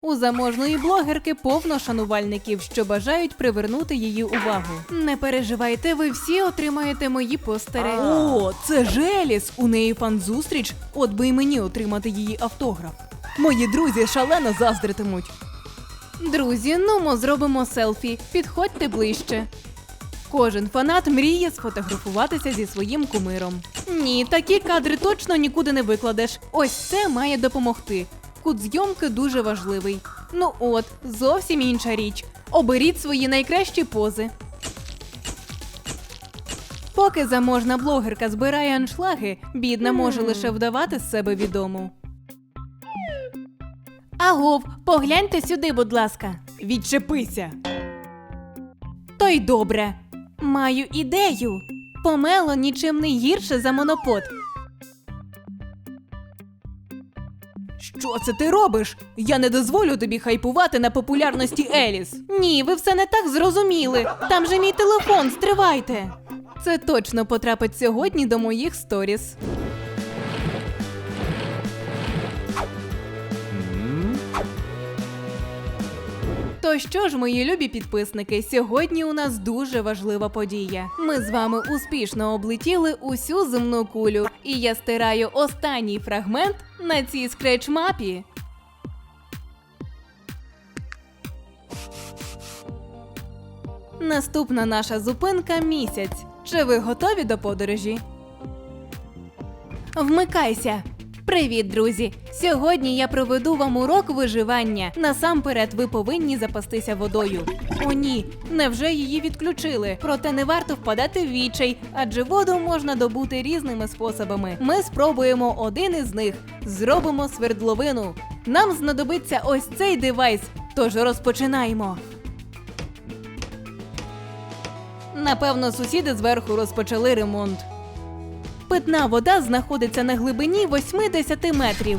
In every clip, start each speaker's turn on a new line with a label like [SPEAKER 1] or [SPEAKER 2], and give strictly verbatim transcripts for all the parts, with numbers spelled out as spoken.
[SPEAKER 1] У заможної блогерки повно шанувальників, що бажають привернути її увагу. Не переживайте, ви всі отримаєте мої постери. О, це ж Еліс! У неї фан-зустріч, от би й мені отримати її автограф. Мої друзі шалено заздритимуть. Друзі, ну ми зробимо селфі, підходьте ближче. Кожен фанат мріє сфотографуватися зі своїм кумиром. Ні, такі кадри точно нікуди не викладеш. Ось це має допомогти. Кут зйомки дуже важливий. Ну от, зовсім інша річ. Оберіть свої найкращі пози. Поки заможна блогерка збирає аншлаги, бідна може лише вдавати з себе відому. Агов, погляньте сюди, будь ласка. Відчепися. То й добре. Маю ідею. Помело нічим не гірше за монопод. Що це ти робиш? Я не дозволю тобі хайпувати на популярності Еліс. Ні, ви все не так зрозуміли. Там же мій телефон, стривайте. Це точно потрапить сьогодні до моїх сторіс. То що ж, мої любі підписники, сьогодні у нас дуже важлива подія. Ми з вами успішно облетіли усю земну кулю, і я стираю останній фрагмент на цій скреч-мапі. Наступна наша зупинка – місяць. Чи ви готові до подорожі? Вмикайся! Привіт, друзі! Сьогодні я проведу вам урок виживання. Насамперед ви повинні запастися водою. О ні, невже її відключили? Проте не варто впадати в відчай, адже воду можна добути різними способами. Ми спробуємо один із них. Зробимо свердловину. Нам знадобиться ось цей девайс, тож розпочинаємо. Напевно, сусіди зверху розпочали ремонт. Питна вода знаходиться на глибині вісімдесят метрів.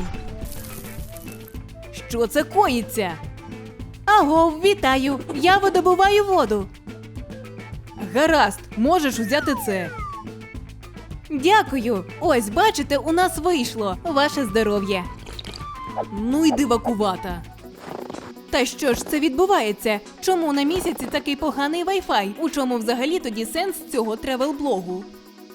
[SPEAKER 1] Що це коїться? Агов, вітаю! Я видобуваю воду. Гаразд, можеш взяти це. Дякую. Ось, бачите, у нас вийшло. Ваше здоров'я. Ну й дивакувата. Та що ж це відбувається? Чому на місяці такий поганий вай-фай? У чому взагалі тоді сенс цього тревел-блогу?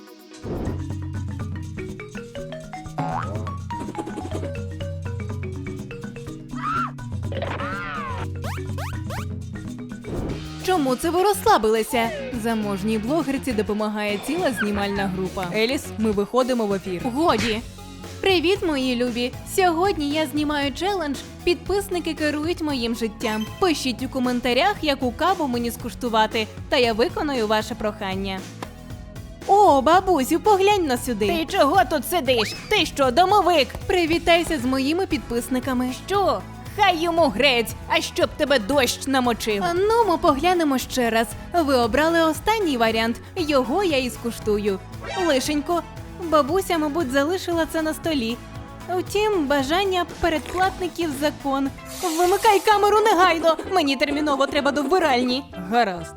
[SPEAKER 1] Чому це ви розслабилися? Заможній блогерці допомагає ціла знімальна група. Еліс, ми виходимо в ефір. Годі! Привіт, мої любі! Сьогодні я знімаю челендж «Підписники керують моїм життям». Пишіть у коментарях, яку каву мені скуштувати, та я виконую ваше прохання. О, бабусю, поглянь на сюди.
[SPEAKER 2] Ти чого тут сидиш? Ти що, домовик?
[SPEAKER 1] Привітайся з моїми підписниками.
[SPEAKER 2] Що? Хай йому грець, а щоб тебе дощ намочив.
[SPEAKER 1] А ну, ми поглянемо ще раз. Ви обрали останній варіант. Його я і скуштую. Лишенько. Бабуся, мабуть, залишила це на столі. Втім, бажання передплатників закон. Вимикай камеру негайно! Мені терміново треба до вбиральні. Гаразд.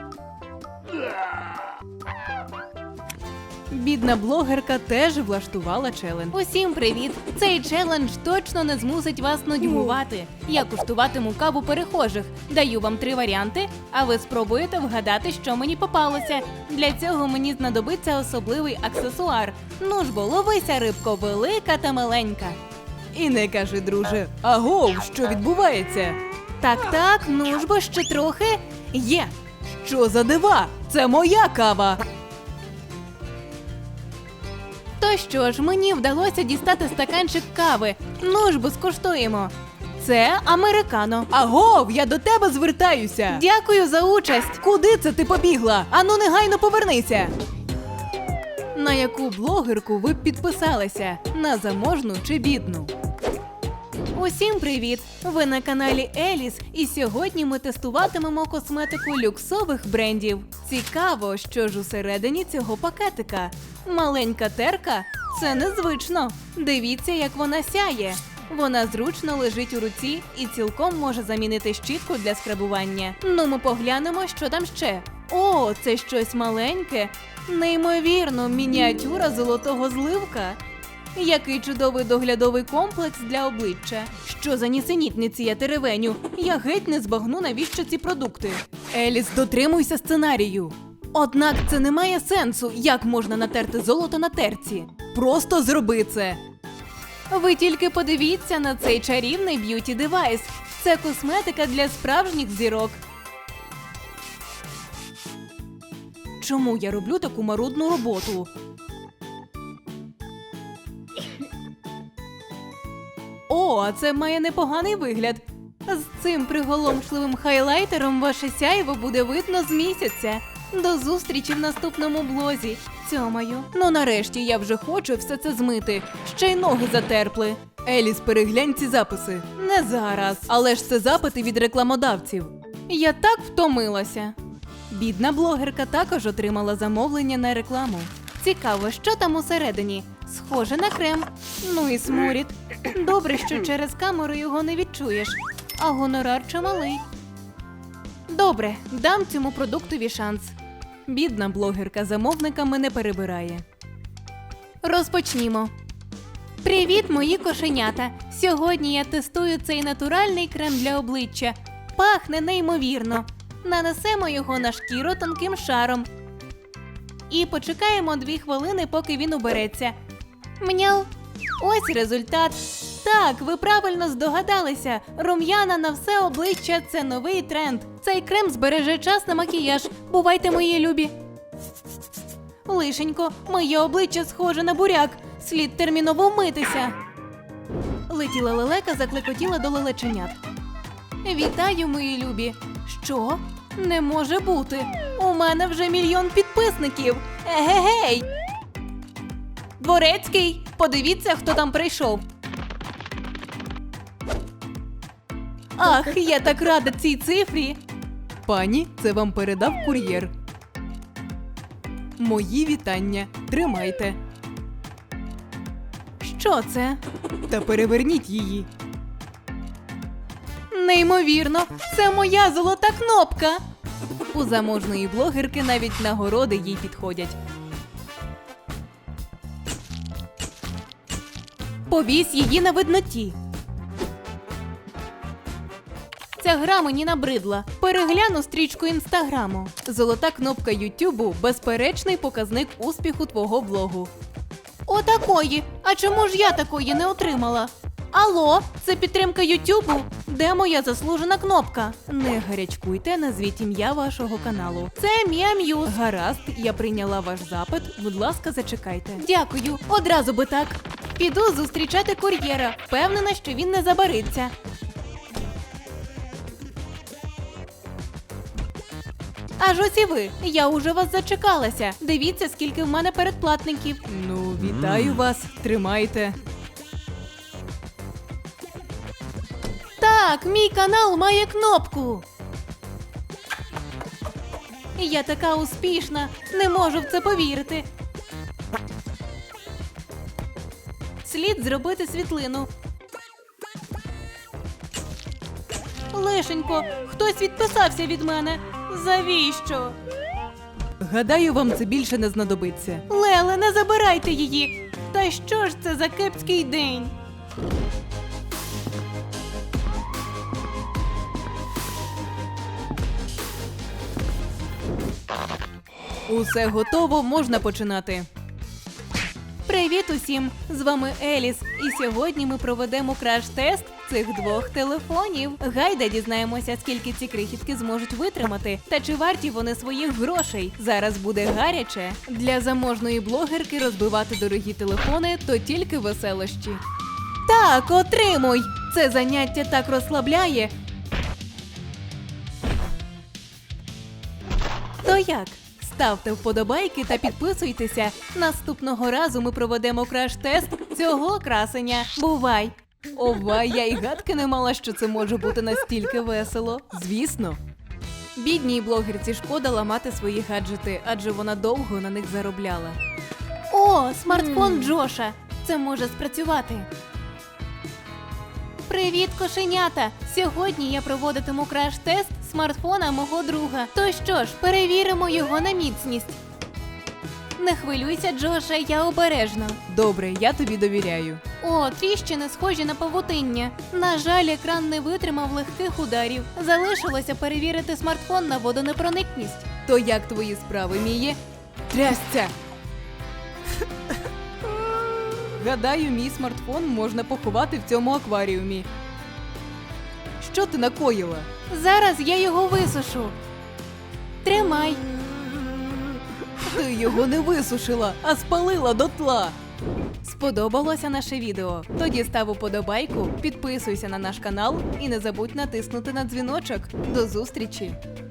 [SPEAKER 1] Бідна блогерка теж влаштувала челендж. Усім привіт! Цей челендж точно не змусить вас нудьгувати. Я куштуватиму каву перехожих. Даю вам три варіанти, а ви спробуєте вгадати, що мені попалося. Для цього мені знадобиться особливий аксесуар. Ну ж бо, ловися, рибко, велика та маленька. І не кажи, друже, агов, що відбувається? Так-так, ну ж бо, ще трохи. Є! Що за дива? Це моя кава! То що ж, мені вдалося дістати стаканчик кави. Ну ж бо, скуштуємо. Це американо. Агов, я до тебе звертаюся. Дякую за участь. Куди це ти побігла? Ану, негайно повернися. На яку блогерку ви б підписалися? На заможну чи бідну? Усім привіт! Ви на каналі Еліс, і сьогодні ми тестуватимемо косметику люксових брендів. Цікаво, що ж усередині цього пакетика. Маленька терка? Це незвично. Дивіться, як вона сяє. Вона зручно лежить у руці і цілком може замінити щітку для скрабування. Ну, ми поглянемо, що там ще. О, це щось маленьке. Неймовірно, мініатюра золотого зливка. Який чудовий доглядовий комплекс для обличчя. Що за нісенітниці я теревеню? Я геть не збагну, навіщо ці продукти. Еліс, дотримуйся сценарію. Однак це не має сенсу, як можна натерти золото на терці. Просто зроби це. Ви тільки подивіться на цей чарівний б'юті-девайс. Це косметика для справжніх зірок. Чому я роблю таку марудну роботу? О, а це має непоганий вигляд. З цим приголомшливим хайлайтером ваше сяйво буде видно з місяця. До зустрічі в наступному блозі. Цьомаю. Ну нарешті я вже хочу все це змити. Ще й ноги затерпли. Еліс, переглянь ці записи. Не зараз. Але ж це запити від рекламодавців. Я так втомилася. Бідна блогерка також отримала замовлення на рекламу. Цікаво, що там усередині. Схоже на крем. Ну і сморід. Добре, що через камеру його не відчуєш. А гонорар чималий. Добре, дам цьому продуктові шанс. Бідна блогерка замовниками не перебирає. Розпочнімо. Привіт, мої кошенята! Сьогодні я тестую цей натуральний крем для обличчя. Пахне неймовірно. Нанесемо його на шкіру тонким шаром. І почекаємо дві хвилини, поки він убереться. Мняу. Ось результат. Так, ви правильно здогадалися. Рум'яна на все обличчя – це новий тренд. Цей крем збереже час на макіяж. Бувайте, мої любі. Лишенько, моє обличчя схоже на буряк. Слід терміново вмитися. Летіла лелека, заклекотіла до лелеченят. Вітаю, мої любі. Що? Не може бути. У мене вже мільйон підписників. Егегей! Дворецький, подивіться, хто там прийшов. Ах, я так рада цій цифрі. Пані, це вам передав кур'єр. Мої вітання. Тримайте. Що це? Та переверніть її. Неймовірно, це моя золота кнопка. У заможної блогерки навіть нагороди їй підходять. Повісь її на видноті. Ця гра мені набридла. Перегляну стрічку інстаграму. Золота кнопка Ютубу – безперечний показник успіху твого блогу. Отакої. А чому ж я такої не отримала? Алло, це підтримка Ютубу? Де моя заслужена кнопка? Не гарячкуйте, назвіть ім'я вашого каналу. Це Мія М'юз. Гаразд, я прийняла ваш запит. Будь ласка, зачекайте. Дякую, одразу би так. Піду зустрічати кур'єра. Впевнена, що він не забариться. Аж ось і ви. Я уже вас зачекалася. Дивіться, скільки в мене передплатників. Ну, вітаю вас. Тримайте. Так, мій канал має кнопку. Я така успішна. Не можу в це повірити. Слід зробити світлину. Лишенько, хтось відписався від мене. Завіщо? Гадаю, вам це більше не знадобиться. Леле, не забирайте її. Та що ж це за кепський день? Усе готово, можна починати. Привіт усім! З вами Еліс, і сьогодні ми проведемо краш-тест цих двох телефонів. Гайда дізнаємося, скільки ці крихітки зможуть витримати, та чи варті вони своїх грошей. Зараз буде гаряче. Для заможної блогерки розбивати дорогі телефони – то тільки веселощі. Так, отримуй! Це заняття так розслабляє. То як? Ставте вподобайки та підписуйтеся. Наступного разу ми проведемо краш-тест цього красення. Бувай! Ова, я й гадки не мала, що це може бути настільки весело. Звісно. Бідній блогерці шкода ламати свої гаджети, адже вона довго на них заробляла. О, смартфон Джоша! Це може спрацювати. Привіт, кошенята! Сьогодні я проводитиму краш-тест смартфона мого друга. То що ж, перевіримо його на міцність. Не хвилюйся, Джоше, я обережно. Добре, я тобі довіряю. О, тріщини схожі на павутиння. На жаль, екран не витримав легких ударів. Залишилося перевірити смартфон на водонепроникність. То як твої справи, Міє? Трясця! Гадаю, мій смартфон можна поховати в цьому акваріумі. Що ти накоїла? Зараз я його висушу. Тримай. Ти його не висушила, а спалила дотла. Сподобалося наше відео? Тоді став уподобайку, підписуйся на наш канал і не забудь натиснути на дзвіночок. До зустрічі!